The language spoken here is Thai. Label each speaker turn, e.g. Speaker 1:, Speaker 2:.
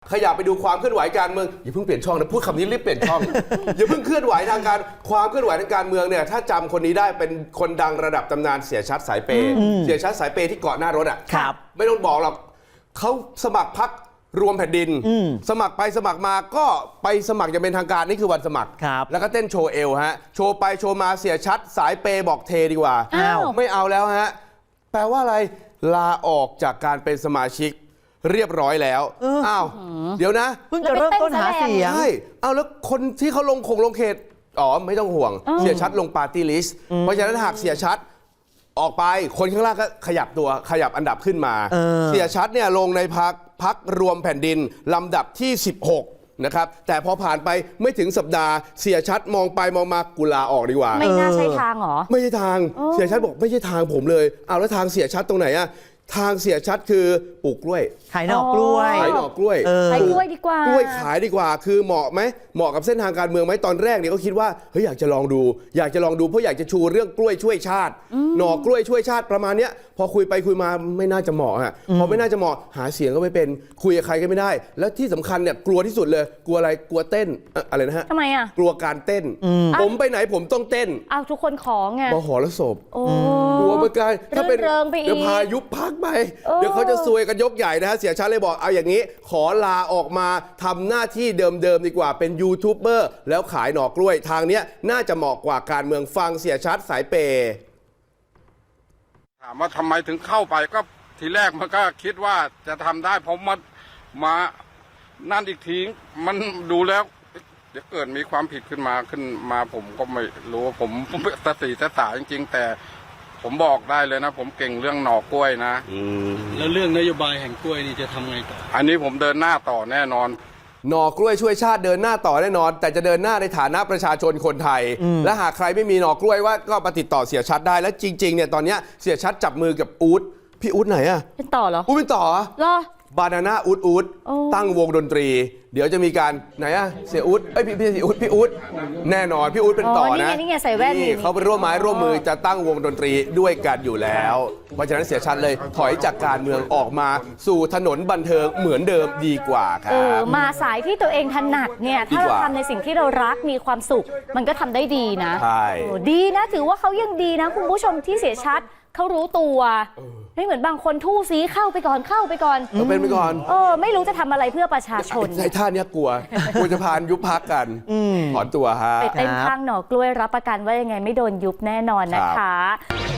Speaker 1: ขยับไปดูความเคลื่อนไหวการเมืองอย่าเพิ่งเปลี่ยนช่องนะพูดคำนี้รีบเปลี่ยนช่อง อย่าเพิ่งเคลื่อนไหวทางการความเคลื่อนไหวทางการเมืองเนี่ยถ้าจำคนนี้ได้เป็นคนดังระดับตำนานเสียชัดสายเปย์เสียชัดสายเปย์ที่เกาะหน้ารถอ่ะไม่ต้องบอกหรอกเขาสมัครพรรครวมแผ่นดินสมัครไปสมัครมาก็ไปสมัครอย่างเป็นทางการนี่คือวันสมัครแล้วก็เต้นโชว์เอวฮะโชว์ไปโชว์มาเสียชัดสายเปย์บอกเทดีกว่าไม่เอาแล้วฮะแปลว่าอะไรลาออกจากการเป็นสมาชิกเรียบร้อยแล้วอ้าวเดี๋ยวนะ
Speaker 2: เพิ่งจะเริ่มต้นหาเสียง
Speaker 1: ใช่เอาแล้วคนที่เขาลงเขตไม่ต้องห่วงเสียชัดลงปาร์ตี้ลิสต์เพราะฉะนั้นหากเสียชัดออกไปคนข้างล่างก็ขยับอันดับขึ้นมาเสียชัดเนี่ยลงในพรรครวมแผ่นดินลำดับที่16นะครับแต่พอผ่านไปไม่ถึงสัปดาห์เสียชัดมองไปมองมากุลาออกดีกว่า
Speaker 3: ไม่น่าใช่ทางหรอ
Speaker 1: ไม่ใช่ทางเสียชัดบอกไม่ใช่ทางผมเลยเอาแล้วทางเสียชัดตรงไหนอะทางเสียชัดคือปลูกกล้วย
Speaker 2: ขายหน่อกล้วย
Speaker 1: ขายหน่อกล้วย
Speaker 3: ขายกล้วยดีกว่าก
Speaker 1: ล้วยขายดีกว่าคือเหมาะไหมเหมาะกับเส้นทางการเมืองไหมตอนแรกเนี่ยก็คิดว่าเฮ้ยอยากจะลองดูเพราะอยากจะชูเรื่องกล้วยช่วยชาติหน่อกล้วยช่วยชาติประมาณเนี้ยพอคุยไปคุยมาไม่น่าจะเหมาะฮะพอไม่น่าจะเหมาะหาเสียงก็ไม่เป็นคุยกับใครก็ไม่ได้แล้วที่สำคัญเนี่ยกลัวที่สุดเลยกลัวอะไรกลัวเต้นอะไรนะฮะ
Speaker 3: ทำไมอ่ะ
Speaker 1: กลัวการเต้นผมไปไหนผมต้องเต้น
Speaker 3: เอาทุกคนของไง
Speaker 1: มหรสพกลัวเหมือนกันถ้าเป็นเดี๋ยวพายุพักไปเดี๋ยวเขาจะซวยกันยกใหญ่นะฮะเสียชัดเลยบอกเอาอย่างนี้ขอลาออกมาทำหน้าที่เดิมดีกว่าเป็นยูทูบเบอร์แล้วขายหน่อกล้วยทางเนี้ยน่าจะเหมาะกว่าการเมืองฟังเสียชัดสายเปย์
Speaker 4: ถามว่าทำไมถึงเข้าไปก็ทีแรกมันก็คิดว่าจะทำได้ผมมานั่นอีกทีมันดูแล้วเดี๋ยวเกิดมีความผิดขึ้นมาผมก็ไม่รู้ผมสติสตาจริงๆแต่ผมบอกได้เลยนะผมเก่งเรื่องหน่อกล้วยนะ
Speaker 5: แล้วเรื่องนโยบายแห่งกล้วยนี่จะทำไงต่อ
Speaker 4: อันนี้ผมเดินหน้าต่อแน่นอน
Speaker 1: หน่อกล้วยช่วยชาติเดินหน้าต่อแน่นอนแต่จะเดินหน้าในฐานะประชาชนคนไทยและหากใครไม่มีหน่อกล้วยว่าก็มาติดต่อเสียชัดได้และจริงๆเนี่ยตอนนี้เสียชัดจับมือกับอู๊ดพี่อู๊ดไหนอะ
Speaker 3: เป็นต่อเหรอ
Speaker 1: อู๊ดเป็นต่อ
Speaker 3: เหร
Speaker 1: อบานาน่าอู๊ดตั้งวงดนตรีเดี๋ยวจะมีการไหนอะเสียอู๊ดพี่อู๊ดแน่นอนพี่อู๊ดเป็นต่อนะ
Speaker 3: นี่ไงใส่แว่นนี่
Speaker 1: เขาเป็นร่วมไม้ร่วมมือจะตั้งวงดนตรีด้วยกันอยู่แล้วเพราะฉะนั้นเสียชัดเลยถอยจากการเมืองออกมาสู่ถนนบันเทิงเหมือนเดิมดีกว่าครับ
Speaker 3: มาสายที่ตัวเองถนัดเนี่ยถ้าเราทำในสิ่งที่เรารักมีความสุขมันก็ทำได้ดีนะ
Speaker 1: ใช่
Speaker 3: ดีนะถือว่าเขายังดีนะคุณผู้ชมที่เสียชัดเขารู้ตัวไม่เหมือนบางคนทู่ซีเข้าไปก่อน
Speaker 1: เป็นไปก่อน
Speaker 3: ไม่รู้จะทำอะไรเพื่อประชาชน
Speaker 1: ในท่านี้กลัวจะพานยุบพักกันถอนตัวฮะ
Speaker 3: ไปเต้นข้างหน่อกล้วยรับประกันว่ายังไงไม่โดนยุบแน่นอนนะคะ